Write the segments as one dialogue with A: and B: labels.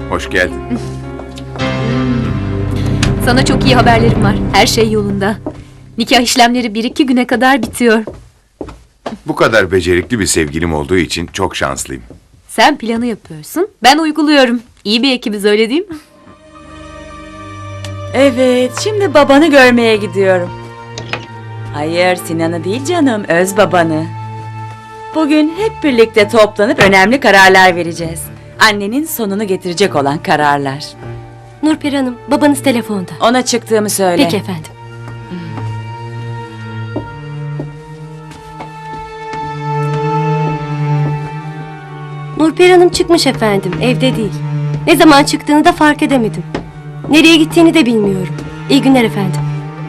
A: Hoş geldin.
B: Sana çok iyi haberlerim var. Her şey yolunda. Nikah işlemleri 1-2 güne kadar bitiyor.
A: Bu kadar becerikli bir sevgilim olduğu için çok şanslıyım.
B: Sen planı yapıyorsun, ben uyguluyorum. İyi bir ekibiz, öyle değil mi?
C: Evet, şimdi babanı görmeye gidiyorum. Hayır, Sinan'ı değil canım, öz babanı. Bugün hep birlikte toplanıp önemli kararlar vereceğiz. Annenin sonunu getirecek olan kararlar.
B: Nurperi Hanım, babanız telefonda.
C: Ona çıktığımı söyle.
B: Peki efendim.
D: Nurperi Hanım çıkmış efendim, evde değil. Ne zaman çıktığını da fark edemedim. Nereye gittiğini de bilmiyorum. İyi günler efendim.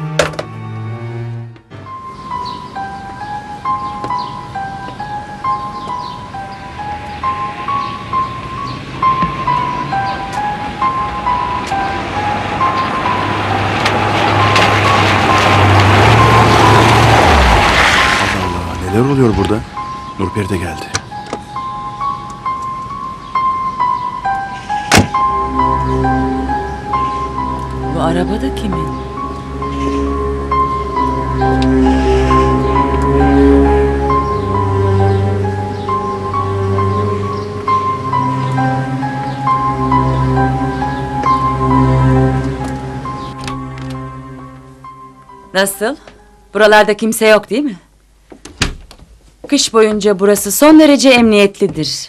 E: Neler oluyor burada? Nurperi de geldi.
C: Bu araba da kimin? Nasıl? Buralarda kimse yok değil mi? Kış boyunca burası son derece emniyetlidir.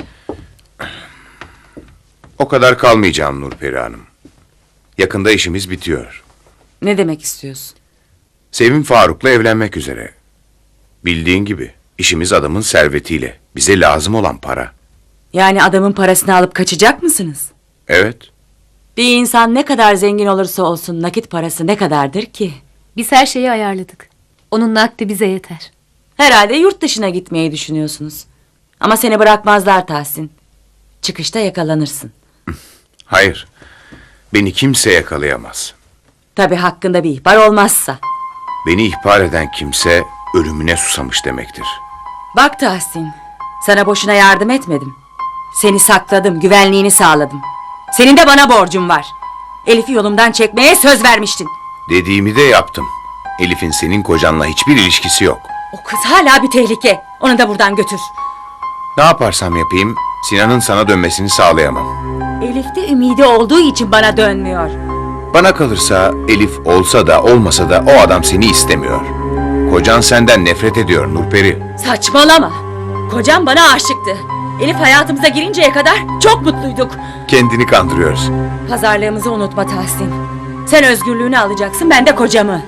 A: O kadar kalmayacağım Nurperi Hanım. Yakında işimiz bitiyor.
C: Ne demek istiyorsun?
A: Sevim Faruk'la evlenmek üzere. Bildiğin gibi işimiz adamın servetiyle. Bize lazım olan para.
C: Yani adamın parasını alıp kaçacak mısınız?
A: Evet.
C: Bir insan ne kadar zengin olursa olsun nakit parası ne kadardır ki?
B: Biz her şeyi ayarladık. Onun nakdi bize yeter.
C: Herhalde yurt dışına gitmeyi düşünüyorsunuz. Ama seni bırakmazlar Tahsin. Çıkışta yakalanırsın.
A: Hayır. Beni kimse yakalayamaz.
C: Tabii hakkında bir ihbar olmazsa.
A: Beni ihbar eden kimse ölümüne susamış demektir.
C: Bak Tahsin, sana boşuna yardım etmedim. Seni sakladım, güvenliğini sağladım. Senin de bana borcun var. Elif'i yolumdan çekmeye söz vermiştin.
A: Dediğimi de yaptım. Elif'in senin kocanla hiçbir ilişkisi yok.
C: O kız hala bir tehlike. Onu da buradan götür.
A: Ne yaparsam yapayım Sinan'ın sana dönmesini sağlayamam.
C: Elif'te ümidi olduğu için bana dönmüyor.
A: Bana kalırsa Elif olsa da olmasa da o adam seni istemiyor. Kocan senden nefret ediyor Nurperi.
C: Saçmalama. Kocam bana aşıktı. Elif hayatımıza girinceye kadar çok mutluyduk.
A: Kendini kandırıyorsun.
C: Pazarlığımızı unutma Tahsin. Sen özgürlüğünü alacaksın, ben de kocamı.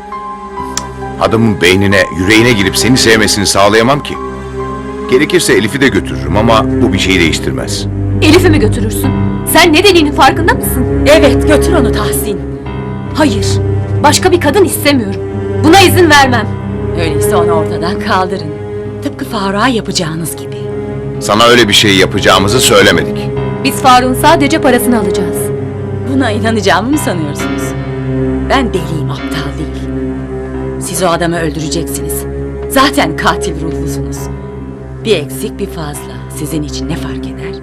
A: Adamın beynine, yüreğine girip seni sevmesini sağlayamam ki. Gerekirse Elif'i de götürürüm ama bu bir şeyi değiştirmez.
B: Elif'i mi götürürsün? Sen ne dediğinin farkında mısın?
C: Evet, götür onu Tahsin.
B: Hayır, başka bir kadın istemiyorum. Buna izin vermem.
C: Öyleyse onu ortadan kaldırın. Tıpkı Faruk'a yapacağınız gibi.
A: Sana öyle bir şey yapacağımızı söylemedik.
B: Biz Faruk'un sadece parasını alacağız.
C: Buna inanacağımı mı sanıyorsunuz? Ben deliyim, aptal değil. Siz o adamı öldüreceksiniz. Zaten katil ruhlusunuz. Bir eksik bir fazla sizin için ne fark eder?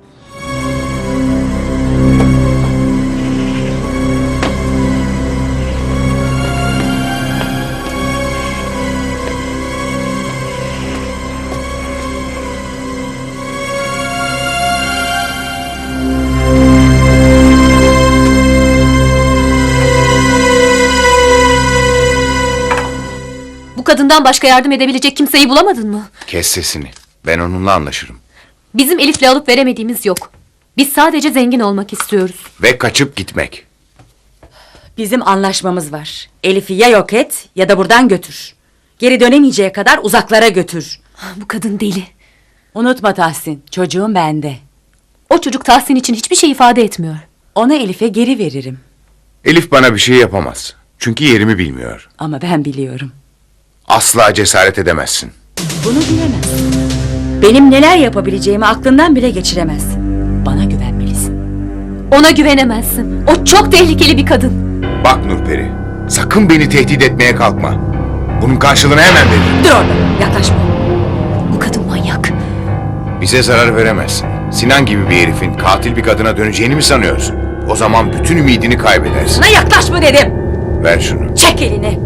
B: Bu kadından başka yardım edebilecek kimseyi bulamadın mı?
A: Kes sesini. Ben onunla anlaşırım.
B: Bizim Elif'le alıp veremediğimiz yok. Biz sadece zengin olmak istiyoruz.
A: Ve kaçıp gitmek.
C: Bizim anlaşmamız var. Elif'i ya yok et ya da buradan götür. Geri dönemeyeceği kadar uzaklara götür.
B: Bu kadın deli.
C: Unutma Tahsin, çocuğum bende.
B: O çocuk Tahsin için hiçbir şey ifade etmiyor.
C: Onu Elif'e geri veririm.
A: Elif bana bir şey yapamaz. Çünkü yerimi bilmiyor.
C: Ama ben biliyorum.
A: Asla cesaret edemezsin.
C: Bunu bilemezsin. Benim neler yapabileceğimi aklından bile geçiremezsin. Bana güvenmelisin.
B: Ona güvenemezsin. O çok tehlikeli bir kadın.
A: Bak Nurperi, sakın beni tehdit etmeye kalkma. Bunun karşılığını hemen veririm.
C: Dur orada, yaklaşma.
B: Bu kadın manyak.
A: Bize zarar veremezsin. Sinan gibi bir herifin katil bir kadına döneceğini mi sanıyorsun? O zaman bütün ümidini kaybedersin.
C: Sana yaklaşma dedim.
A: Ver şunu.
C: Çek elini.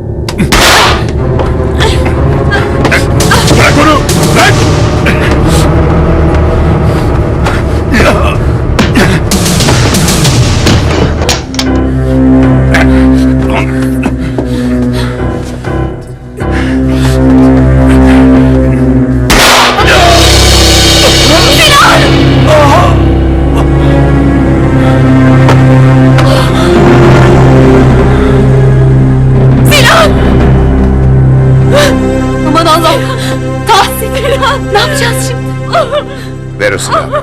A: Bırak onu! Bırak!
B: Aman Allah'ım. Tahsin. Ne yapacağız şimdi?
A: Ver o silahı.